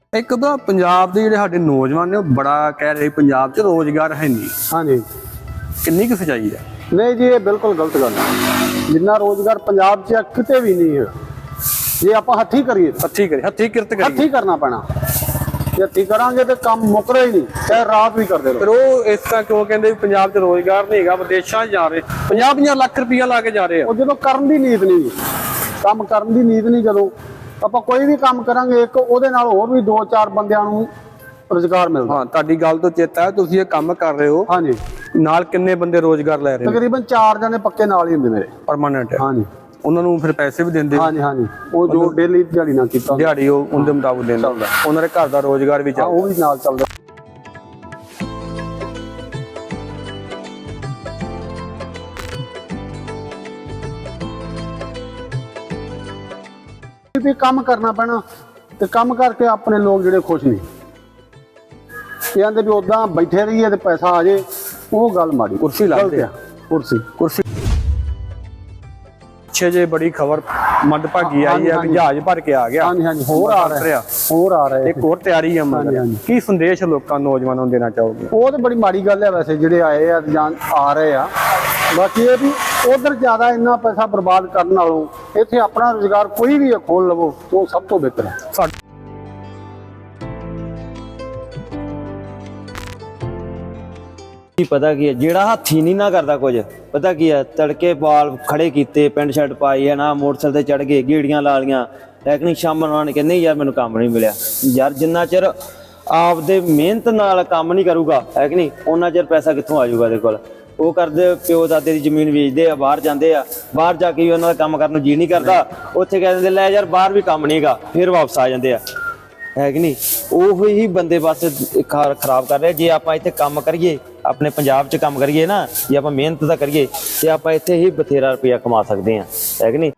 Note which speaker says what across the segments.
Speaker 1: ਇੱਕ ਤਾਂ ਪੰਜਾਬ ਦੇ ਜਿਹੜੇ ਸਾਡੇ ਨੌਜਵਾਨ ਨੇ ਉਹ ਬੜਾ ਕਹਿ ਰਹੇ ਪੰਜਾਬ 'ਚ ਰੋਜ਼ਗਾਰ ਹੈ ਨਹੀਂ।
Speaker 2: ਹਾਂਜੀ,
Speaker 1: ਕਿੰਨੀ ਕੁ ਸੱਚਾਈ ਹੈ?
Speaker 2: ਨਹੀਂ ਜੀ, ਇਹ ਬਿਲਕੁਲ ਗਲਤ ਗੱਲ ਹੈ। ਜਿੰਨਾ ਰੋਜ਼ਗਾਰ ਪੰਜਾਬ 'ਚ ਕਿਤੇ ਵੀ ਨਹੀਂ ਹੈ। ਜੇ ਆਪਾਂ ਹੱਥੀਂ ਕਰੀਏ,
Speaker 1: ਹੱਥੀਂ ਕਿਰਤ ਕਰੀਏ,
Speaker 2: ਹੱਥੀਂ ਕਰਨਾ ਪੈਣਾ। ਜੇ ਹੱਥੀਂ ਕਰਾਂਗੇ ਤੇ ਕੰਮ ਮੁੱਕਦਾ ਹੀ ਨਹੀਂ, ਚਾਹੇ ਰਾਤ ਵੀ ਕਰਦੇ ਰਹੋ।
Speaker 1: ਫਿਰ ਉਹ ਇਸ ਤਰ੍ਹਾਂ ਕਿਉਂ ਕਹਿੰਦੇ ਵੀ ਪੰਜਾਬ 'ਚ ਰੋਜ਼ਗਾਰ ਨਹੀਂ ਹੈਗਾ, ਵਿਦੇਸ਼ਾਂ 'ਚ ਜਾ ਰਹੇ 50-50 ਲੱਖ ਰੁਪਈਆ ਲਾ ਕੇ ਜਾ ਰਹੇ ਆ।
Speaker 2: ਉਹ ਜਦੋਂ ਕਰਨ ਦੀ ਨੀਤ ਨਹੀਂ, ਕੰਮ ਕਰਨ ਦੀ ਨੀਤ ਨਹੀਂ, ਜਦੋਂ ਆਪਾਂ ਕੋਈ ਵੀ ਕੰਮ ਕਰਾਂਗੇ ਇੱਕ ਉਹਦੇ ਨਾਲ ਹੋਰ ਵੀ 2-4 ਬੰਦਿਆਂ ਨੂੰ ਰੋਜ਼ਗਾਰ ਮਿਲਦਾ।
Speaker 1: ਹਾਂ, ਤੁਹਾਡੀ ਗੱਲ ਤੋਂ ਚੇਤਾ ਹੈ, ਤੁਸੀਂ ਇਹ ਕੰਮ ਕਰ ਰਹੇ ਹੋ।
Speaker 2: ਹਾਂਜੀ,
Speaker 1: ਨਾਲ ਕਿੰਨੇ ਬੰਦੇ ਰੋਜ਼ਗਾਰ ਲੈ ਰਹੇ ਨੇ?
Speaker 2: ਤਕਰੀਬਨ 4 ਜਣੇ ਪੱਕੇ ਨਾਲ ਹੀ ਹੁੰਦੇ ਮੇਰੇ,
Speaker 1: ਪਰਮਾਨੈਂਟ।
Speaker 2: ਹਾਂਜੀ,
Speaker 1: ਉਹਨਾਂ ਨੂੰ ਫਿਰ ਪੈਸੇ ਵੀ ਦਿੰਦੇ?
Speaker 2: ਹਾਂਜੀ ਹਾਂਜੀ, ਉਹ ਜੋ ਡੇਲੀ ਦਿਹਾੜੀ ਨਾਲ ਕੀਤਾ
Speaker 1: ਦਿਹਾੜੀ ਉਹ ਉਹਦੇ ਮੁਤਾਬਕ ਦਿੰਦਾ, ਉਹਨਾਂ ਦੇ ਘਰ ਦਾ ਰੋਜ਼ਗਾਰ ਵੀ ਚੱਲਦਾ,
Speaker 2: ਉਹ ਵੀ ਨਾਲ ਚੱਲਦਾ। ਵੀ ਕੰਮ ਕਰਨਾ ਪੈਣਾ ਤੇ ਕੰਮ ਕਰਕੇ ਆਪਣੇ ਲੋਕ ਜਿਹੜੇ ਖੁਸ਼ ਨਹੀਂ, ਇਹ ਕਹਿੰਦੇ ਵੀ ਉਦਾਂ ਬੈਠੇ ਰਹੀਏ ਤੇ ਪੈਸਾ ਆ ਜੇ, ਉਹ ਗੱਲ ਮਾੜੀ।
Speaker 1: ਕੁਰਸੀ ਲਾਉਂਦੇ ਆ,
Speaker 2: ਕੁਰਸੀ
Speaker 1: ਪਿੱਛੇ ਜੇ ਬੜੀ ਖਬਰ ਮੰਦਭਾਗੀ ਆਈ ਹੈ ਕਿ ਜਹਾਜ਼ ਭਰ ਕੇ ਆ ਗਿਆ।
Speaker 2: ਹਾਂਜੀ ਹਾਂਜੀ, ਹੋਰ ਆ ਰਿਹਾ
Speaker 1: ਇੱਕ ਹੋਰ ਤਿਆਰੀ ਹੈ ਮਗਰ। ਕੀ ਸੰਦੇਸ਼ ਲੋਕਾਂ ਨੌਜਵਾਨਾਂ ਨੂੰ ਦੇਣਾ ਚਾਹੋਗੇ?
Speaker 2: ਉਹ ਤੇ ਬੜੀ ਮਾੜੀ ਗੱਲ ਹੈ ਵੈਸੇ, ਜਿਹੜੇ ਆਏ ਆ ਜਾਂ ਆ ਰਹੇ ਆ। ਬਾਕੀ ਇਹ ਵੀ ਉਧਰ ਜ਼ਿਆਦਾ ਇੰਨਾ ਪੈਸਾ ਬਰਬਾਦ ਕਰਨ ਨਾਲੋਂ ਇੱਥੇ ਆਪਣਾ ਰੁਜ਼ਗਾਰ ਕੋਈ ਵੀ ਖੋਲ ਲਵੋ, ਉਹ ਸਭ ਤੋਂ ਬਿਹਤਰ ਹੈ।
Speaker 3: ਪਤਾ ਕੀ ਹੈ, ਜਿਹੜਾ ਹੱਥੀ ਨਹੀਂ ਨਾ ਕਰਦਾ ਕੁਝ, ਪਤਾ ਕੀ ਹੈ, ਤੜਕੇ ਬਾਲ ਖੜੇ ਕੀਤੇ, ਪੈਂਟ ਸ਼ਰਟ ਪਾਈ ਹੈ ਨਾ, ਮੋਟਰਸਾਈਕਲ ਤੇ ਚੜ ਗਏ, ਗੇੜੀਆਂ ਲਾ ਲੀਆਂ, ਲੇਕਿਨ ਸ਼ਾਮ ਨੂੰ ਕਹਿੰਦੇ ਨਹੀਂ ਯਾਰ ਮੈਨੂੰ ਕੰਮ ਨਹੀਂ ਮਿਲਿਆ। ਯਾਰ ਜਿੰਨਾ ਚਿਰ ਆਪਦੇ ਮਿਹਨਤ ਨਾਲ ਕੰਮ ਨਹੀਂ ਕਰੂਗਾ, ਹੈ ਕਿ ਨਹੀਂ, ਉਹਨਾਂ ਚਿਰ ਪੈਸਾ ਕਿੱਥੋਂ ਆ ਜਾਊਗਾ ਇਹਦੇ ਕੋਲ। ਉਹ ਕਰਦੇ ਪਿਓ ਦਾਦੇ ਦੀ ਜ਼ਮੀਨ ਵੇਚਦੇ ਆ, ਬਾਹਰ ਜਾਂਦੇ ਆ, ਬਾਹਰ ਜਾ ਕੇ ਵੀ ਉਹਨਾਂ ਦਾ ਕੰਮ ਕਰਨ ਨੂੰ ਜੀ ਨਹੀਂ ਕਰਦਾ, ਉੱਥੇ ਕਹਿ ਦਿੰਦੇ ਲੈ ਯਾਰ ਬਾਹਰ ਵੀ ਕੰਮ ਨਹੀਂ ਹੈਗਾ, ਫਿਰ ਵਾਪਸ ਆ ਜਾਂਦੇ ਆ, ਹੈ ਕਿ ਨਹੀਂ। ਉਹ ਹੀ ਬੰਦੇ ਬਸ ਖਰਾਬ ਕਰ ਰਹੇ। ਜੇ ਆਪਾਂ ਇੱਥੇ ਕੰਮ ਕਰੀਏ, ਆਪਣੇ ਪੰਜਾਬ 'ਚ ਕੰਮ ਕਰੀਏ ਨਾ, ਜੇ ਆਪਾਂ ਮਿਹਨਤ ਦਾ ਕਰੀਏ ਤੇ ਆਪਾਂ ਇੱਥੇ ਹੀ ਬਥੇਰਾ ਰੁਪਇਆ ਕਮਾ ਸਕਦੇ ਹਾਂ, ਹੈ ਕਿ ਨਹੀਂ।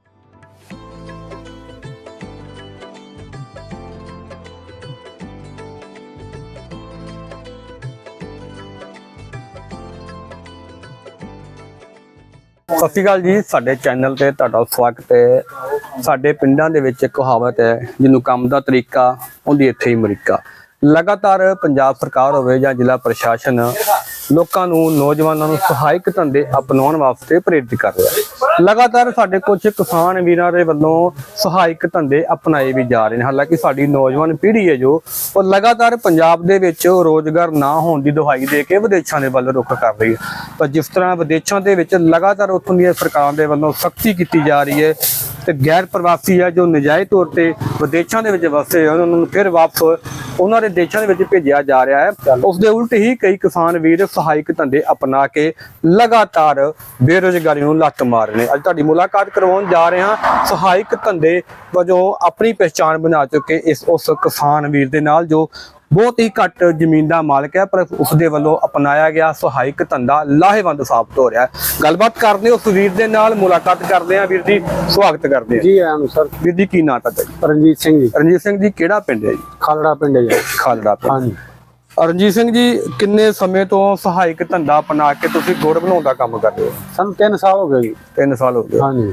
Speaker 1: ਸਤਿ ਸ਼੍ਰੀ ਅਕਾਲ ਜੀ, ਸਾਡੇ ਚੈਨਲ ਤੇ ਤੁਹਾਡਾ ਸਵਾਗਤ ਹੈ। ਸਾਡੇ ਪਿੰਡਾਂ ਦੇ ਵਿੱਚ ਇੱਕ ਕਹਾਵਤ ਹੈ, ਜਿਹਨੂੰ ਕੰਮ ਦਾ ਤਰੀਕਾ ਉਹਦੀ ਇੱਥੇ ਹੀ ਅਮਰੀਕਾ। ਲਗਾਤਾਰ ਪੰਜਾਬ ਸਰਕਾਰ ਹੋਵੇ ਜਾਂ ਜ਼ਿਲ੍ਹਾ ਪ੍ਰਸ਼ਾਸਨ ਲੋਕਾਂ ਨੂੰ, ਨੌਜਵਾਨਾਂ ਨੂੰ ਸਹਾਇਕ ਧੰਦੇ ਅਪਣਾਉਣ ਵਾਸਤੇ ਪ੍ਰੇਰਿਤ ਕਰ ਰਿਹਾ। ਲਗਾਤਾਰ ਸਾਡੇ ਕੁਝ ਕਿਸਾਨ ਵੀਰਾਂ ਦੇ ਵੱਲੋਂ ਸਹਾਇਕ ਧੰਦੇ ਅਪਣਾਏ ਵੀ ਜਾ ਰਹੇ ਨੇ। ਹਾਲਾਂਕਿ ਸਾਡੀ ਨੌਜਵਾਨ ਪੀੜ੍ਹੀ ਹੈ ਜੋ ਉਹ ਲਗਾਤਾਰ ਪੰਜਾਬ ਦੇ ਵਿੱਚ ਰੋਜ਼ਗਾਰ ਨਾ ਹੋਣ ਦੀ ਦਵਾਈ ਦੇ ਕੇ ਵਿਦੇਸ਼ਾਂ ਦੇ ਵੱਲ ਰੁਖ ਕਰ ਰਹੀ ਹੈ। ਪਰ ਜਿਸ ਤਰ੍ਹਾਂ ਵਿਦੇਸ਼ਾਂ ਦੇ ਵਿੱਚ ਲਗਾਤਾਰ ਉੱਥੋਂ ਦੀਆਂ ਸਰਕਾਰਾਂ ਦੇ ਵੱਲੋਂ ਸਖਤੀ ਕੀਤੀ ਜਾ ਰਹੀ ਹੈ ਤੇ ਗੈਰ ਪ੍ਰਵਾਸੀ ਹੈ ਜੋ ਨਜਾਇਜ਼ ਤੌਰ ਤੇ ਵਿਦੇਸ਼ਾਂ ਦੇ ਵਿੱਚ ਵਸੇ, ਉਹਨਾਂ ਨੂੰ ਫਿਰ ਵਾਪਸ ਉਹਨਾਂ ਦੇ ਦੇਸ਼ਾਂ ਦੇ ਵਿੱਚ ਭੇਜਿਆ ਜਾ ਰਿਹਾ ਹੈ। ਉਸ ਦੇ ਉਲਟ ਹੀ ਕਈ ਕਿਸਾਨ ਵੀਰ ਸਹਾਇਕ ਧੰਦੇ ਅਪਣਾ ਕੇ ਲਗਾਤਾਰ ਬੇਰੁਜ਼ਗਾਰੀ ਨੂੰ ਲੱਤ ਮਾਰ ਰਹੇ ਨੇ। ਅੱਜ ਤੁਹਾਡੀ ਮੁਲਾਕਾਤ ਕਰਵਾਉਣ ਜਾ ਰਹੇ ਹਾਂ ਸਹਾਇਕ ਧੰਦੇ ਵਜੋਂ ਆਪਣੀ ਪਹਿਚਾਣ ਬਣਾ ਚੁੱਕੇ ਉਸ ਕਿਸਾਨ ਵੀਰ ਦੇ ਨਾਲ ਜੋ ਬਹੁਤ ਹੀ ਘੱਟ ਜ਼ਮੀਨ ਦਾ ਮਾਲਕ ਹੈ, ਪਰ ਉਸ ਦੇ ਵੱਲੋਂ ਅਪਣਾਇਆ ਗਿਆ ਸਹਾਇਕ ਧੰਦਾ ਲਾਹੇਵੰਦ ਸਾਬਤ ਹੋ ਰਿਹਾ ਹੈ। ਗੱਲਬਾਤ ਕਰਦੇ ਉਸ ਵੀਰ ਦੇ ਨਾਲ, ਮੁਲਾਕਾਤ ਕਰਦੇ ਹਾਂ। ਵੀਰ ਜੀ ਸਵਾਗਤ ਕਰਦੇ ਹਾਂ
Speaker 2: ਜੀ। ਆਇਆਂ ਨੂੰ ਸਰ।
Speaker 1: ਵੀਰ ਜੀ ਕੀ ਨਾਂ ਤੁਹਾਡਾ ਜੀ?
Speaker 2: ਰਣਜੀਤ ਸਿੰਘ ਜੀ।
Speaker 1: ਰਣਜੀਤ ਸਿੰਘ ਜੀ, ਕਿਹੜਾ ਪਿੰਡ ਹੈ ਜੀ?
Speaker 2: ਖਾਲੜਾ ਪਿੰਡ ਹੈ ਜੀ।
Speaker 1: ਖਾਲੜਾ ਪਿੰਡ।
Speaker 2: ਹਾਂਜੀ।
Speaker 1: ਰਣਜੀਤ ਸਿੰਘ ਜੀ, ਕਿੰਨੇ ਸਮੇਂ ਤੋਂ ਸਹਾਇਕ ਧੰਦਾ ਅਪਣਾ ਕੇ ਤੁਸੀਂ ਗੁੜ ਬਣਾਉਣ ਦਾ ਕੰਮ ਕਰ ਰਹੇ ਹੋ?
Speaker 2: ਸਾਨੂੰ 3 ਸਾਲ ਹੋ ਗਏ ਜੀ।
Speaker 1: 3 ਸਾਲ ਹੋ ਗਏ।
Speaker 2: ਹਾਂਜੀ।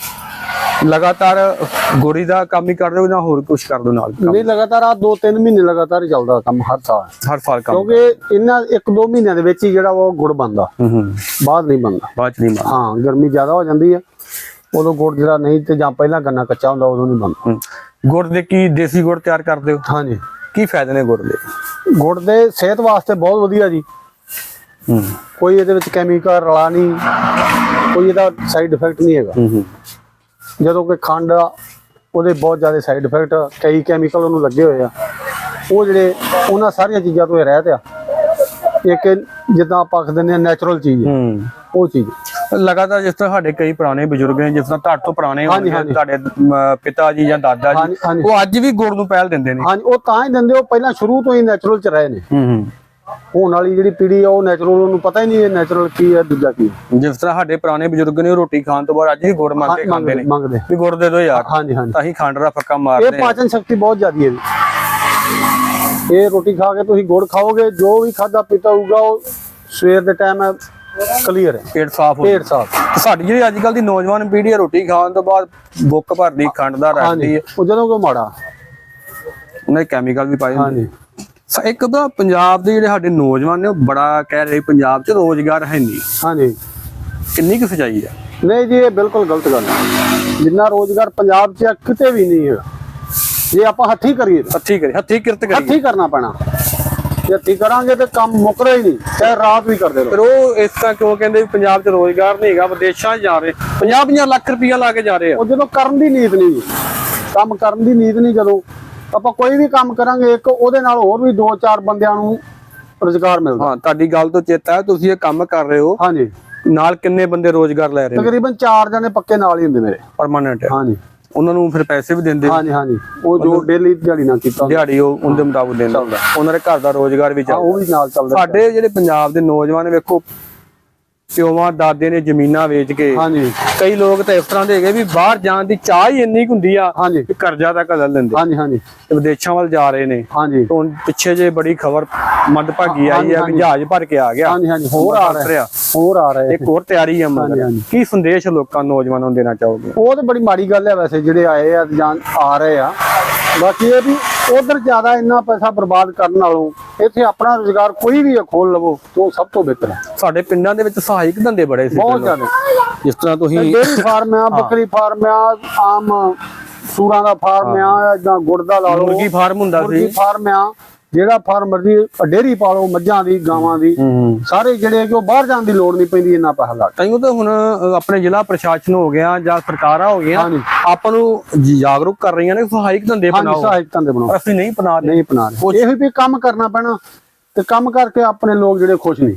Speaker 1: ਲਗਾਤਾਰ ਗੁੜੀ ਦਾ ਕੰਮ ਹੀ ਕਰ ਰਹੇ ਹੋ ਜਾਂ ਹੋਰ ਕੁਝ ਕਰ ਦੋ ਨਾਲ?
Speaker 2: ਨਹੀਂ, ਲਗਾਤਾਰ ਆ 2-3 ਮਹੀਨੇ ਲਗਾਤਾਰ ਹੀ ਚੱਲਦਾ ਕੰਮ, ਹਰ ਸਾਲ
Speaker 1: ਕੰਮ।
Speaker 2: ਕਿਉਂਕਿ ਇਹਨਾਂ 1-2 ਮਹੀਨਿਆਂ ਦੇ ਵਿੱਚ ਹੀ ਜਿਹੜਾ ਉਹ ਗੁੜ ਬਣਦਾ, ਬਾਅਦ ਨਹੀਂ ਬਣਦਾ।
Speaker 1: ਬਾਅਦ ਨਹੀਂ ਬਣਦਾ।
Speaker 2: ਹਾਂ, ਗਰਮੀ ਜ਼ਿਆਦਾ ਹੋ ਜਾਂਦੀ ਹੈ ਉਦੋਂ ਗੁੜ ਜਿਹੜਾ ਨਹੀਂ, ਤੇ ਜਾਂ ਪਹਿਲਾਂ ਗੰਨਾ ਕੱਚਾ ਹੁੰਦਾ ਉਦੋਂ ਨਹੀਂ ਬਣਦਾ।
Speaker 1: ਗੁੜ ਦੇ ਕੀ ਦੇਸੀ ਗੁੜ ਤਿਆਰ ਕਰਦੇ ਹੋ?
Speaker 2: ਹਾਂਜੀ।
Speaker 1: ਕੀ ਫਾਇਦੇ ਨੇ ਗੁੜ ਦੇ?
Speaker 2: ਗੁੜ ਦੇ ਸਿਹਤ ਵਾਸਤੇ ਬਹੁਤ ਵਧੀਆ ਜੀ। ਕੋਈ ਇਹਦੇ ਵਿੱਚ ਕੈਮੀਕਲ ਰਲਾ ਨਹੀਂ, ਕੋਈ ਇਹਦਾ ਸਾਈਡ ਇਫੈਕਟ ਨਹੀਂ ਹੈਗਾ। ਜਦੋਂ ਕਿ ਖੰਡ ਆ, ਉਹਦੇ ਬਹੁਤ ਜ਼ਿਆਦਾ ਸਾਈਡ ਇਫੈਕਟ, ਕਈ ਕੈਮੀਕਲ ਉਹਨੂੰ ਲੱਗੇ ਹੋਏ ਆ। ਉਹ ਜਿਹੜੇ ਉਹਨਾਂ ਸਾਰੀਆਂ ਚੀਜ਼ਾਂ ਤੋਂ ਇਹ ਰਹਿਤ ਆ। ਇੱਕ ਜਿੱਦਾਂ ਆਪਾਂ ਆਖ ਦਿੰਦੇ ਆ ਨੈਚੁਰਲ ਚੀਜ਼, ਉਹ ਚੀਜ਼
Speaker 1: ਲਗਾਤਾਰ ਜਿਸ ਤਰ੍ਹਾਂ ਸਾਡੇ ਕਈ ਪੁਰਾਣੇ ਬਜ਼ੁਰਗ ਨੇ, ਜਿਸ ਤਰ੍ਹਾਂ ਤੁਹਾਡੇ ਤੋਂ ਪੁਰਾਣੇ ਤੁਹਾਡੇ ਪਿਤਾ ਜੀ ਜਾਂ ਦਾਦਾ ਜੀ, ਉਹ ਅੱਜ ਵੀ ਗੁੜ ਨੂੰ ਪਹਿਲ ਦਿੰਦੇ ਨੇ।
Speaker 2: ਹਾਂਜੀ, ਉਹ ਤਾਂ ਹੀ ਦਿੰਦੇ, ਉਹ ਪਹਿਲਾਂ ਸ਼ੁਰੂ ਤੋਂ ਹੀ ਨੈਚੁਰਲ ਚ ਰਹੇ ਨੇ। ਹੁਣ ਵਾਲੀ ਜਿਹੜੀ ਪੀੜ੍ਹੀ ਆ ਉਹ ਨੈਚੁਰਲ, ਉਹਨੂੰ ਪਤਾ ਹੀ ਨਹੀਂ ਇਹ ਨੈਚੁਰਲ ਕੀ ਹੈ, ਦੂਜਾ ਕੀ।
Speaker 1: ਜਿਸ ਤਰ੍ਹਾਂ ਸਾਡੇ ਪੁਰਾਣੇ ਬਜ਼ੁਰਗ ਨੇ ਰੋਟੀ ਖਾਣ ਤੋਂ ਬਾਅਦ ਅੱਜ ਵੀ ਗੁੜ ਮੰਗ ਕੇ ਖਾਂਦੇ ਨੇ, ਵੀ ਗੁੜ ਦੇ ਦਿਓ ਯਾਰ।
Speaker 2: ਹਾਂਜੀ ਹਾਂਜੀ,
Speaker 1: ਤਾਂ ਹੀ ਖੰਡ ਦਾ ਫੱਕਾ ਮਾਰਦੇ।
Speaker 2: ਇਹ ਪਾਚਨ ਸ਼ਕਤੀ ਬਹੁਤ ਜ਼ਿਆਦੀ ਹੈ। ਇਹ ਰੋਟੀ ਖਾ ਕੇ ਤੁਸੀਂ ਗੁੜ ਖਾਓਗੇ, ਜੋ ਵੀ ਖਾਦਾ ਪੀਤਾ ਹੋਊਗਾ ਉਹ ਸਵੇਰ ਦੇ ਟਾਈਮ ਹੈ ਕਲੀਅਰ ਹੈ,
Speaker 1: ਪੇਟ ਸਾਫ਼ ਹੋ
Speaker 2: ਪੇਟ ਸਾਫ਼।
Speaker 1: ਸਾਡੀ ਜਿਹੜੀ ਅੱਜ ਕੱਲ ਦੀ ਨੌਜਵਾਨ ਪੀੜ੍ਹੀ ਹੈ ਰੋਟੀ ਖਾਣ ਤੋਂ ਬਾਅਦ ਬੁੱਕ ਭਰਦੀ ਖੰਡ ਦਾ ਰੱਖਦੀ ਹੈ,
Speaker 2: ਉਹ ਜਦੋਂ ਕੋਈ ਮਾੜਾ
Speaker 1: ਉਹਨਾਂ ਦੇ ਕੈਮੀਕਲ ਵੀ ਪਾਏ ਹੁੰਦੇ।
Speaker 2: ਹਾਂਜੀ।
Speaker 1: ਇੱਕ ਤਾਂ ਪੰਜਾਬ ਦੇ ਜਿਹੜੇ ਸਾਡੇ ਨੌਜਵਾਨ ਨੇ ਉਹ ਬੜਾ ਕਹਿ ਰਹੇ ਪੰਜਾਬ 'ਚ ਰੋਜ਼ਗਾਰ ਹੈ ਨਹੀਂ।
Speaker 2: ਹਾਂਜੀ।
Speaker 1: ਕਿੰਨੀ ਕੁ ਸੱਚਾਈ ਹੈ?
Speaker 2: ਨਹੀਂ ਜੀ, ਇਹ ਬਿਲਕੁਲ ਗਲਤ ਗੱਲ ਹੈ। ਜਿੰਨਾ ਰੋਜ਼ਗਾਰ ਪੰਜਾਬ 'ਚ ਕਿਤੇ ਵੀ ਨਹੀਂ ਹੈਗਾ। ਜੇ ਆਪਾਂ ਹੱਥੀਂ ਕਰੀਏ,
Speaker 1: ਹੱਥੀਂ ਕਿਰਤ ਕਰੀਏ,
Speaker 2: ਹੱਥੀਂ ਕਰਨਾ ਪੈਣਾ। ਜੇ ਹੱਥੀਂ ਕਰਾਂਗੇ ਤੇ ਕੰਮ ਮੁੱਕਦਾ ਹੀ ਨਹੀਂ, ਚਾਹੇ ਰਾਤ ਵੀ ਕਰਦੇ ਰਹੋ।
Speaker 1: ਪਰ ਉਹ ਇਸ ਤਰ੍ਹਾਂ ਕਿਉਂ ਕਹਿੰਦੇ ਵੀ ਪੰਜਾਬ 'ਚ ਰੋਜ਼ਗਾਰ ਨਹੀਂ ਹੈਗਾ, ਵਿਦੇਸ਼ਾਂ 'ਚ ਜਾ ਰਹੇ 50-50 ਲੱਖ ਰੁਪਈਆ ਲਾ ਕੇ ਜਾ ਰਹੇ ਆ।
Speaker 2: ਉਹ ਜਦੋਂ ਕਰਨ ਦੀ ਨੀਤ ਨਹੀਂ, ਕੰਮ ਕਰਨ ਦੀ ਨੀਤ ਨਹੀਂ, ਜਦੋਂ ਆਪਾਂ ਕੋਈ ਵੀ ਕੰਮ ਕਰਾਂਗੇ ਇੱਕ ਉਹਦੇ ਨਾਲ ਹੋਰ ਵੀ 2-4 ਬੰਦਿਆਂ ਨੂੰ ਰੁਜ਼ਗਾਰ ਮਿਲਦਾ।
Speaker 1: ਹਾਂ, ਤੁਹਾਡੀ ਗੱਲ ਤੋਂ ਚੇਤਾ ਹੈ, ਤੁਸੀਂ ਇਹ ਕੰਮ ਕਰ ਰਹੇ ਹੋ,
Speaker 2: ਹਾਂਜੀ।
Speaker 1: ਨਾਲ ਕਿੰਨੇ ਬੰਦੇ ਰੋਜ਼ਗਾਰ ਲੈ ਰਹੇ ਨੇ?
Speaker 2: ਤਕਰੀਬਨ 4 ਜਣੇ ਪੱਕੇ ਨਾਲ ਹੀ ਹੁੰਦੇ ਮੇਰੇ,
Speaker 1: ਪਰਮਾਨੈਂਟ।
Speaker 2: ਹਾਂਜੀ।
Speaker 1: ਉਹਨਾਂ ਨੂੰ ਫਿਰ ਪੈਸੇ ਵੀ ਦਿੰਦੇ?
Speaker 2: ਹਾਂਜੀ ਹਾਂਜੀ, ਉਹ ਜੋ ਡੇਲੀ ਦਿਹਾੜੀ ਨਾਲ ਕੀਤਾ
Speaker 1: ਦਿਹਾੜੀ ਉਹ ਉਹਦੇ ਮੁਤਾਬਕ ਦਿੰਦੇ, ਉਹਨਾਂ ਦੇ ਘਰ ਦਾ ਰੋਜ਼ਗਾਰ ਵੀ ਚੱਲਦਾ,
Speaker 2: ਉਹ ਵੀ ਨਾਲ ਚੱਲਦਾ।
Speaker 1: ਸਾਡੇ ਜਿਹੜੇ ਪੰਜਾਬ ਦੇ ਨੌਜਵਾਨ ਵੇਖੋ, ਪਿਓਵਾਂ ਦਾਦੇ ਨੇ ਜ਼ਮੀਨਾਂ ਵੇਚ ਕੇ,
Speaker 2: ਹਾਂਜੀ।
Speaker 1: ਕਈ ਲੋਕ ਤਾਂ ਇਸ ਤਰ੍ਹਾਂ ਦੇ ਹੈਗੇ ਵੀ ਬਾਹਰ ਜਾਣ ਦੀ ਚਾਹ ਹੀ ਇੰਨੀ ਕੁ ਹੁੰਦੀ ਆ
Speaker 2: ਹਾਂਜੀ।
Speaker 1: ਕਿ ਕਰਜ਼ਾ ਤੱਕ ਲੈ ਲੈਂਦੇ,
Speaker 2: ਹਾਂਜੀ ਹਾਂਜੀ
Speaker 1: ਤੇ ਵਿਦੇਸ਼ਾਂ ਵੱਲ ਜਾ ਰਹੇ ਨੇ।
Speaker 2: ਹਾਂਜੀ।
Speaker 1: ਹੁਣ ਪਿੱਛੇ ਜੇ ਬੜੀ ਖਬਰ ਮੰਦਭਾਗੀ ਆਈ ਆ ਵੀ ਜਹਾਜ਼ ਭਰ ਕੇ ਆ ਗਿਆ।
Speaker 2: ਹਾਂਜੀ ਹਾਂਜੀ, ਹੋਰ ਆ ਰਿਹਾ, ਹੋਰ ਆ ਰਿਹਾ,
Speaker 1: ਇੱਕ ਹੋਰ ਤਿਆਰੀ ਆ ਮਗਰ। ਕੀ ਸੰਦੇਸ਼ ਲੋਕਾਂ ਨੌਜਵਾਨਾਂ ਨੂੰ ਦੇਣਾ ਚਾਹੋਗੇ?
Speaker 2: ਉਹ ਤੇ ਬੜੀ ਮਾੜੀ ਗੱਲ ਹੈ ਵੈਸੇ, ਜਿਹੜੇ ਆਏ ਆ ਜਾਂ ਆ ਰਹੇ ਆ। ਬਾਕੀ ਇਹ ਵੀ ਉਧਰ ਜ਼ਿਆਦਾ ਇੰਨਾ ਪੈਸਾ ਬਰਬਾਦ ਕਰਨ ਨਾਲੋਂ ਇੱਥੇ ਆਪਣਾ ਰੁਜ਼ਗਾਰ ਕੋਈ ਵੀ ਖੋਲ ਲਵੋ ਤੇ ਉਹ ਸਭ ਤੋਂ ਬਿਹਤਰ ਹੈ।
Speaker 1: ਸਾਡੇ ਪਿੰਡਾਂ ਦੇ ਵਿੱਚ ਸਹਾਇਕ ਧੰਦੇ ਬੜੇ ਸੀ
Speaker 2: ਬਹੁਤ ਜ਼ਿਆਦਾ,
Speaker 1: ਜਿਸ ਤਰ੍ਹਾਂ ਤੁਸੀਂ
Speaker 2: ਡੇਅਰੀ ਫਾਰਮ ਆ, ਬੱਕਰੀ ਫਾਰਮ ਆ, ਆਮ ਸੂਰਾਂ ਦਾ ਫਾਰਮ ਆ, ਜਾਂ ਗੁੜ ਦਾ ਲਾ ਲਓ,
Speaker 1: ਮੁਰਗੀ ਫਾਰਮ ਹੁੰਦਾ ਸੀ,
Speaker 2: ਮੁਰਗੀ ਫਾਰਮ ਆ, ਜਿਹੜਾ ਫਾਰਮ ਮਰਜ਼ੀ ਡੇਅਰੀ ਪਾ ਲਓ, ਮੱਝਾਂ ਦੀ, ਗਾਵਾਂ ਦੀ, ਸਾਰੇ ਜਿਹੜੇ ਕਿ ਉਹ ਬਾਹਰ ਜਾਣ ਦੀ ਲੋੜ ਨਹੀਂ ਪੈਂਦੀ ਇੰਨਾ ਪੈਸਾ ਲਾ ਕੇ।
Speaker 1: ਤਾਂਹੀਓ ਤਾਂ ਹੁਣ ਆਪਣੇ ਜ਼ਿਲ੍ਹਾ ਪ੍ਰਸ਼ਾਸਨ ਹੋ ਗਿਆ ਜਾਂ ਸਰਕਾਰਾਂ ਹੋ ਗਈਆਂ, ਆਪਾਂ ਨੂੰ ਜਾਗਰੂਕ ਕਰ ਰਹੀਆਂ ਨੇ ਸਹਾਇਕ ਧੰਦੇ ਬਣਾਓ,
Speaker 2: ਸਹਾਇਕ ਧੰਦੇ ਬਣਾਓ।
Speaker 1: ਅਸੀਂ ਨਹੀਂ ਬਣਾ ਰਹੇ,
Speaker 2: ਇਹ ਵੀ ਕੰਮ ਕਰਨਾ ਪੈਣਾ, ਤੇ ਕੰਮ ਕਰਕੇ ਆਪਣੇ ਲੋਕ ਜਿਹੜੇ ਖੁਸ਼ ਨਹੀਂ,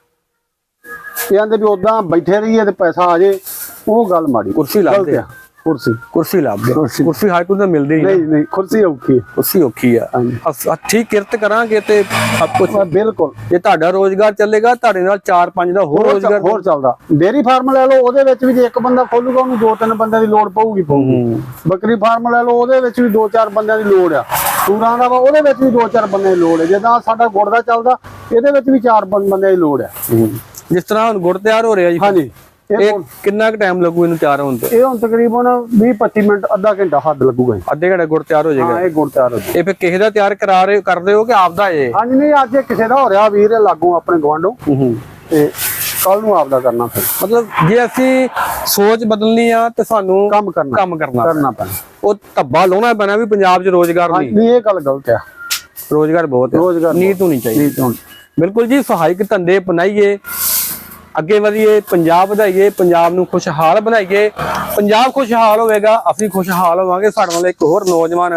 Speaker 2: ਇਹ ਕਹਿੰਦੇ ਵੀ ਉਦਾਂ ਬੈਠੇ ਰਹੀਏ ਤੇ ਪੈਸਾ ਆ ਜੇ, ਉਹ ਗੱਲ ਮਾੜੀ।
Speaker 1: ਕੁਰਸੀ ਲੱਭਦੇ ਆ, ਕੁਰਸੀ ਲੱਭਦੇ, ਕੁਰਸੀ ਹਰ ਕੋਈ ਤਾਂ ਮਿਲਦੀ
Speaker 2: ਨਹੀਂ। ਨਹੀਂ, ਕੁਰਸੀ ਔਖੀ ਹੈ,
Speaker 1: ਕੁਰਸੀ ਔਖੀ ਆ। ਅੱਛੀ ਕਿਰਤ ਕਰਾਂਗੇ ਤੇ ਸਭ ਕੁਝ
Speaker 2: ਬਿਲਕੁਲ।
Speaker 1: ਜੇ ਤੁਹਾਡਾ ਰੋਜ਼ਗਾਰ ਚੱਲੇਗਾ, ਤੁਹਾਡੇ ਨਾਲ 4-5 ਦਾ ਹੋਰ ਰੋਜ਼ਗਾਰ
Speaker 2: ਹੋਰ ਚੱਲਦਾ। ਡੇਅਰੀ ਫਾਰਮ ਲੈ ਲਓ, ਉਹਦੇ ਵਿੱਚ ਵੀ ਜੇ ਇੱਕ ਬੰਦਾ ਖੋਲੂਗਾ ਉਹਨੂੰ 2-3 ਬੰਦਿਆਂ ਦੀ ਲੋੜ ਪਊਗੀ। ਬੱਕਰੀ ਫਾਰਮ ਲੈ ਲਓ, ਉਹਦੇ ਵਿੱਚ ਵੀ 2-4 ਬੰਦਿਆਂ ਦੀ ਲੋੜ ਆ। ਸੂਰਾਂ ਦਾ ਵਾ, ਉਹਦੇ ਵਿੱਚ ਵੀ 2-4 ਬੰਦਿਆਂ ਦੀ ਲੋੜ ਹੈ। ਜਿੱਦਾਂ ਸਾਡਾ ਗੁੜ ਦਾ ਚੱਲਦਾ, ਇਹਦੇ ਵਿੱਚ ਵੀ 4 ਬੰਦਿਆਂ ਦੀ ਲੋੜ ਹੈ।
Speaker 1: ਜਿਸ ਤਰ੍ਹਾਂ ਹੁਣ ਗੁੜ ਤਿਆਰ ਹੋ ਰਿਹਾ ਜੀ,
Speaker 2: ਹਾਂਜੀ।
Speaker 1: ਇਹ ਕਿੰਨਾ ਕੁ ਟਾਈਮ ਲੱਗੂ ਇਹਨੂੰ ਤਿਆਰ ਹੋਣ ਤੇ?
Speaker 2: ਇਹ ਹੁਣ ਤਕਰੀਬਨ 20-25 ਮਿੰਟ, ਅੱਧਾ ਘੰਟਾ ਹੱਦ ਲੱਗੂਗਾ।
Speaker 1: ਅੱਧੇ ਘੰਟੇ ਗੁੜ ਤਿਆਰ ਹੋ ਜਾਏਗਾ?
Speaker 2: ਇਹ ਗੁੜ ਤਿਆਰ ਹੋ ਜਾਏਗਾ।
Speaker 1: ਇਹ ਫਿਰ ਕਿਸੇ ਦਾ ਤਿਆਰ ਕਰਦੇ ਹੋ ਕਿ ਆਪਦਾ? ਇਹ
Speaker 2: ਹਾਂਜੀ, ਨਹੀਂ, ਅੱਜ ਇਹ ਕਿਸੇ ਦਾ ਹੋ ਰਿਹਾ, ਵੀਰ ਲਾਗੂ ਆਪਣੇ ਗਵਾਂਢੋਂ, ਤੇ ਕੱਲ ਨੂੰ ਆਪਦਾ ਕਰਨਾ। ਫਿਰ
Speaker 1: ਮਤਲਬ ਜੇ ਅਸੀਂ ਸੋਚ ਬਦਲਣੀ ਆ ਤੇ ਸਾਨੂੰ
Speaker 2: ਕੰਮ ਕਰਨਾ ਪੈਣਾ।
Speaker 1: ਉਹ ਧੱਬਾ ਲਾਉਣਾ ਪੈਣਾ ਵੀ ਪੰਜਾਬ 'ਚ ਰੋਜ਼ਗਾਰ
Speaker 2: ਨਹੀਂ, ਇਹ ਗੱਲ ਗਲਤ ਆ।
Speaker 1: ਰੋਜ਼ਗਾਰ ਬਹੁਤ ਹੈ, ਨੀਤ ਹੋਣੀ ਚਾਹੀਦੀ। ਬਿਲਕੁਲ ਜੀ, ਸਹਾਇਕ ਧੰਦੇ ਅਪਣਾਈਏ, ਅੱਗੇ ਵਧੀਏ, ਪੰਜਾਬ ਵਧਾਈਏ, ਪੰਜਾਬ ਨੂੰ ਖੁਸ਼ਹਾਲ ਬਣਾਈਏ। ਪੰਜਾਬ ਖੁਸ਼ਹਾਲ ਹੋਵੇਗਾ, ਅਸੀਂ ਖੁਸ਼ਹਾਲ ਹੋਵਾਂਗੇ। ਸਾਡੇ ਨਾਲ ਇੱਕ ਹੋਰ ਨੌਜਵਾਨ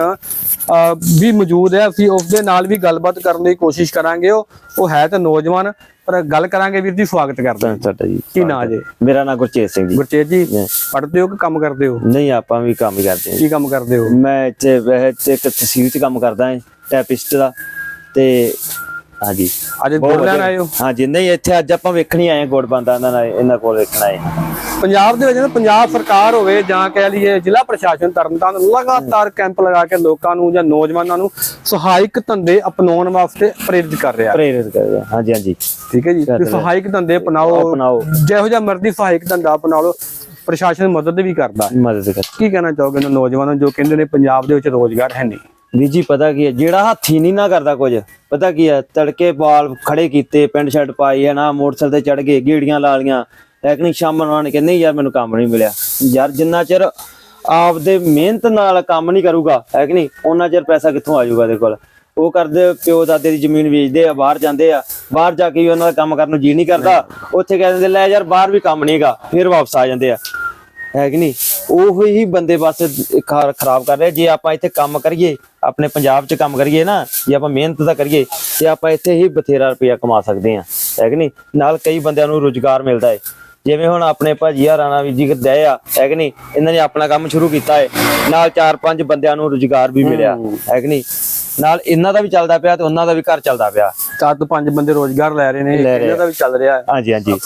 Speaker 1: ਵੀ ਮੌਜੂਦ ਹੈ, ਅਸੀਂ ਉਸ ਦੇ ਨਾਲ ਵੀ ਗੱਲਬਾਤ ਕਰਨ ਦੀ ਕੋਸ਼ਿਸ਼ ਕਰਾਂਗੇ। ਉਹ ਹੈ ਤਾਂ ਨੌਜਵਾਨ, ਪਰ ਗੱਲ ਕਰਾਂਗੇ। ਵੀਰ ਜੀ, ਸਵਾਗਤ ਕਰਦੇ ਹਾਂ ਤੁਹਾਡਾ ਜੀ। ਕੀ ਨਾਂ ਜੀ?
Speaker 3: ਮੇਰਾ ਨਾਂ ਗੁਰਚੇਤ ਸਿੰਘ ਜੀ।
Speaker 1: ਗੁਰਚੇਤ ਜੀ, ਪੜ੍ਹਦੇ ਹੋ ਕਿ ਕੰਮ ਕਰਦੇ ਹੋ?
Speaker 3: ਨਹੀਂ, ਆਪਾਂ ਵੀ ਕੰਮ ਹੀ ਕਰਦੇ ਹਾਂ।
Speaker 1: ਕੀ ਕੰਮ ਕਰਦੇ ਹੋ?
Speaker 3: ਮੈਂ ਇੱਥੇ ਵੈਸੇ ਇੱਕ ਤਹਿਸੀਲ 'ਚ ਕੰਮ ਕਰਦਾ ਹਾਂ, ਟੈਪਿਸਟ ਦਾ। ਤੇ ਹਾਂਜੀ,
Speaker 1: ਅੱਜ ਗੁੜ ਲੈਣ ਆਏ ਹੋ?
Speaker 3: ਹਾਂਜੀ। ਨਹੀਂ, ਇੱਥੇ ਅੱਜ ਆਪਾਂ ਵੇਖਣੀ ਆਏ, ਗੁੜ ਬੰਦਾ ਇਹਨਾਂ ਕੋਲ ਵੇਖਣਾ ਹੈ।
Speaker 1: ਪੰਜਾਬ ਦੇ ਵਿੱਚ ਨਾ, ਪੰਜਾਬ ਸਰਕਾਰ ਹੋਵੇ ਜਾਂ ਕਹਿ ਲਈਏ ਜ਼ਿਲ੍ਹਾ ਪ੍ਰਸ਼ਾਸਨ ਤਰਨਤਾਰਨ, ਲਗਾਤਾਰ ਕੈਂਪ ਲਗਾ ਕੇ ਲੋਕਾਂ ਨੂੰ ਜਾਂ ਨੌਜਵਾਨਾਂ ਨੂੰ ਸਹਾਇਕ ਧੰਦੇ ਅਪਣਾਉਣ ਵਾਸਤੇ ਪ੍ਰੇਰਿਤ ਕਰ ਰਿਹਾ।
Speaker 3: ਹਾਂਜੀ ਹਾਂਜੀ,
Speaker 1: ਠੀਕ ਹੈ ਜੀ। ਸਹਾਇਕ ਧੰਦੇ ਅਪਣਾਓ, ਜਿਹੋ ਜਿਹਾ ਮਰਜ਼ੀ ਸਹਾਇਕ ਧੰਦਾ ਅਪਣਾ ਲਓ, ਪ੍ਰਸ਼ਾਸਨ ਮਦਦ ਵੀ ਕਰਦਾ। ਕੀ ਕਹਿਣਾ ਚਾਹੋਗੇ ਨੌਜਵਾਨਾਂ ਜੋ ਕਹਿੰਦੇ ਨੇ ਪੰਜਾਬ ਦੇ ਵਿੱਚ ਰੋਜ਼ਗਾਰ ਹੈ ਨਹੀਂ?
Speaker 3: ਵੀ ਜੀ, ਪਤਾ ਕੀ ਹੈ, ਜਿਹੜਾ ਹੱਥੀ ਨਹੀਂ ਨਾ ਕਰਦਾ ਕੁਝ, ਪਤਾ ਕੀ ਹੈ, ਤੜਕੇ ਬਾਲ ਖੜੇ ਕੀਤੇ, ਪੈਂਟ ਸ਼ਰਟ ਪਾਈ ਹੈ ਨਾ, ਮੋਟਰਸਾਈਕਲ ਤੇ ਚੜ ਗਏ, ਗੇੜੀਆਂ ਲਾ ਲੀਆਂ, ਲੈਕਨ ਸ਼ਾਮ ਨੂੰ ਕਹਿੰਦੇ ਯਾਰ ਮੈਨੂੰ ਕੰਮ ਨਹੀਂ ਮਿਲਿਆ। ਯਾਰ ਜਿੰਨਾ ਚਿਰ ਆਪਦੇ ਮਿਹਨਤ ਨਾਲ ਕੰਮ ਨਹੀਂ ਕਰੂਗਾ, ਹੈ ਕਿ ਨਹੀਂ, ਉਹਨਾਂ ਚਿਰ ਪੈਸਾ ਕਿੱਥੋਂ ਆ ਜਾਊਗਾ ਇਹਦੇ ਕੋਲ। ਉਹ ਕਰਦੇ ਪਿਓ ਦਾਦੇ ਦੀ ਜ਼ਮੀਨ ਵੇਚਦੇ ਆ, ਬਾਹਰ ਜਾਂਦੇ ਆ, ਬਾਹਰ ਜਾ ਕੇ ਵੀ ਉਹਨਾਂ ਦਾ ਕੰਮ ਕਰਨ ਨੂੰ ਜੀ ਨਹੀਂ ਕਰਦਾ। ਉੱਥੇ ਕਹਿ ਦਿੰਦੇ ਲੈ ਯਾਰ ਬਾਹਰ ਵੀ ਕੰਮ ਨਹੀਂ ਹੈਗਾ, ਫਿਰ ਵਾਪਸ ਆ ਜਾਂਦੇ ਆ, ਹੈ ਕਿ ਨਹੀਂ। ਉਹ ਹੀ ਬੰਦੇ ਬਸ ਖਰਾਬ ਕਰ ਰਹੇ। ਜੇ ਆਪਾਂ ਇੱਥੇ ਕੰਮ ਕਰੀਏ, ਆਪਣੇ ਪੰਜਾਬ 'ਚ ਕੰਮ ਕਰੀਏ ਨਾ, ਜੇ ਆਪਾਂ ਮਿਹਨਤ ਦਾ ਕਰੀਏ, ਤੇ ਆਪਾਂ ਇੱਥੇ ਹੀ ਬਥੇਰਾ ਰੁਪਇਆ ਕਮਾ ਸਕਦੇ ਹਾਂ, ਹੈ ਕਿ ਨਹੀਂ। ਨਾਲ ਕਈ ਬੰਦਿਆਂ ਨੂੰ ਰੁਜ਼ਗਾਰ ਮਿਲਦਾ ਹੈ, ਜਿਵੇਂ ਹੁਣ ਆਪਣੇ ਭਾਜੀ ਰਾਣਾ ਵੀ ਜੀ ਦੇ ਆ, ਹੈ ਕਿ ਨਹੀਂ, ਇਹਨਾਂ ਨੇ ਆਪਣਾ ਕੰਮ ਸ਼ੁਰੂ ਕੀਤਾ ਹੈ, ਨਾਲ 4-5 ਬੰਦਿਆਂ ਨੂੰ ਰੁਜ਼ਗਾਰ ਵੀ ਮਿਲਿਆ, ਹੈ ਕਿ ਨਹੀਂ। ਨਾਲ ਇਹਨਾਂ ਦਾ ਵੀ ਚੱਲਦਾ ਪਿਆ ਤੇ ਉਹਨਾਂ ਦਾ ਵੀ ਘਰ ਚੱਲਦਾ ਪਿਆ।
Speaker 1: 4 ਤੋਂ 5 ਬੰਦੇ ਰੋਜ਼ਗਾਰ ਲੈ ਰਹੇ ਨੇ, ਇਹਨਾਂ ਦਾ ਵੀ ਚੱਲ ਰਿਹਾ।
Speaker 3: ਹਾਂਜੀ ਹਾਂਜੀ,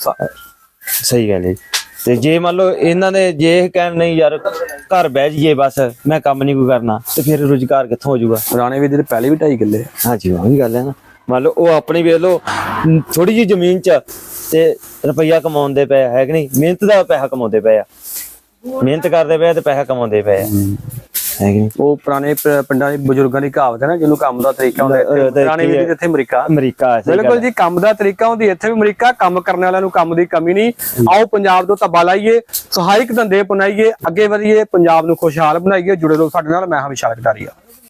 Speaker 3: ਸਹੀ ਗੱਲ ਹੈ। ਤੇ ਜੇ ਮੰਨ ਲਓ ਇਹਨਾਂ ਨੇ ਜੇ ਇਹ ਕਹਿਣ ਨਹੀਂ ਯਾਰ ਘਰ ਬਹਿ ਜਾਈਏ ਬਸ, ਮੈਂ ਕੰਮ ਨਹੀਂ ਕੋਈ ਕਰਨਾ, ਤੇ ਫਿਰ ਰੁਜ਼ਗਾਰ ਕਿੱਥੋਂ ਹੋ ਜਾਊਗਾ?
Speaker 1: ਰਾਣੇ ਵੀ ਦੇ ਪਹਿਲੇ ਵੀ 2.5 ਕਿੱਲੇ।
Speaker 3: ਹਾਂਜੀ, ਉਹੀ ਗੱਲ ਹੈ ਨਾ। ਮੰਨ ਲਓ ਉਹ ਆਪਣੀ ਵੇਖ ਲਓ ਥੋੜੀ ਜਿਹੀ ਜ਼ਮੀਨ 'ਚ ਤੇ ਰੁਪਈਆ ਕਮਾਉਂਦੇ ਪਏ, ਹੈ ਕਿ ਨਹੀਂ। ਮਿਹਨਤ ਦਾ ਪੈਸਾ ਕਮਾਉਂਦੇ ਪਏ ਆ, ਮਿਹਨਤ ਕਰਦੇ ਪਏ ਤੇ ਪੈਸਾ ਕਮਾਉਂਦੇ ਪਏ ਆ। ਹੈ ਕਿ ਨਹੀਂ?
Speaker 1: ਉਹ ਪੁਰਾਣੇ ਪਿੰਡਾਂ ਦੇ ਬਜ਼ੁਰਗਾਂ ਦੀ ਕਹਾਵਤ ਹੈ ਨਾ, ਜਿਹਨੂੰ ਕੰਮ ਦਾ ਤਰੀਕਾ ਹੁੰਦਾ ਪੁਰਾਣੇ ਵੀ ਇੱਥੇ ਅਮਰੀਕਾ।
Speaker 3: ਅਮਰੀਕਾ ਸਹੀ ਗੱਲ
Speaker 1: ਬਿਲਕੁਲ ਜੀ, ਕੰਮ ਦਾ ਤਰੀਕਾ ਹੁੰਦੀ ਇੱਥੇ ਵੀ ਅਮਰੀਕਾ। ਕੰਮ ਕਰਨ ਵਾਲਿਆਂ ਨੂੰ ਕੰਮ ਦੀ ਕਮੀ ਨਹੀਂ। ਆਓ ਪੰਜਾਬ ਤੋਂ ਧੱਬਾ ਲਾਈਏ, ਸਹਾਇਕ ਧੰਦੇ ਅਪਣਾਈਏ, ਅੱਗੇ ਵਧੀਏ, ਪੰਜਾਬ ਨੂੰ ਖੁਸ਼ਹਾਲ ਬਣਾਈਏ। ਜੁੜੇ ਰਹੋ ਸਾਡੇ ਨਾਲ। ਮੈਂ ਹਾਂ ਵਿਸ਼ਾਲ ਕਟਾਰੀਆ।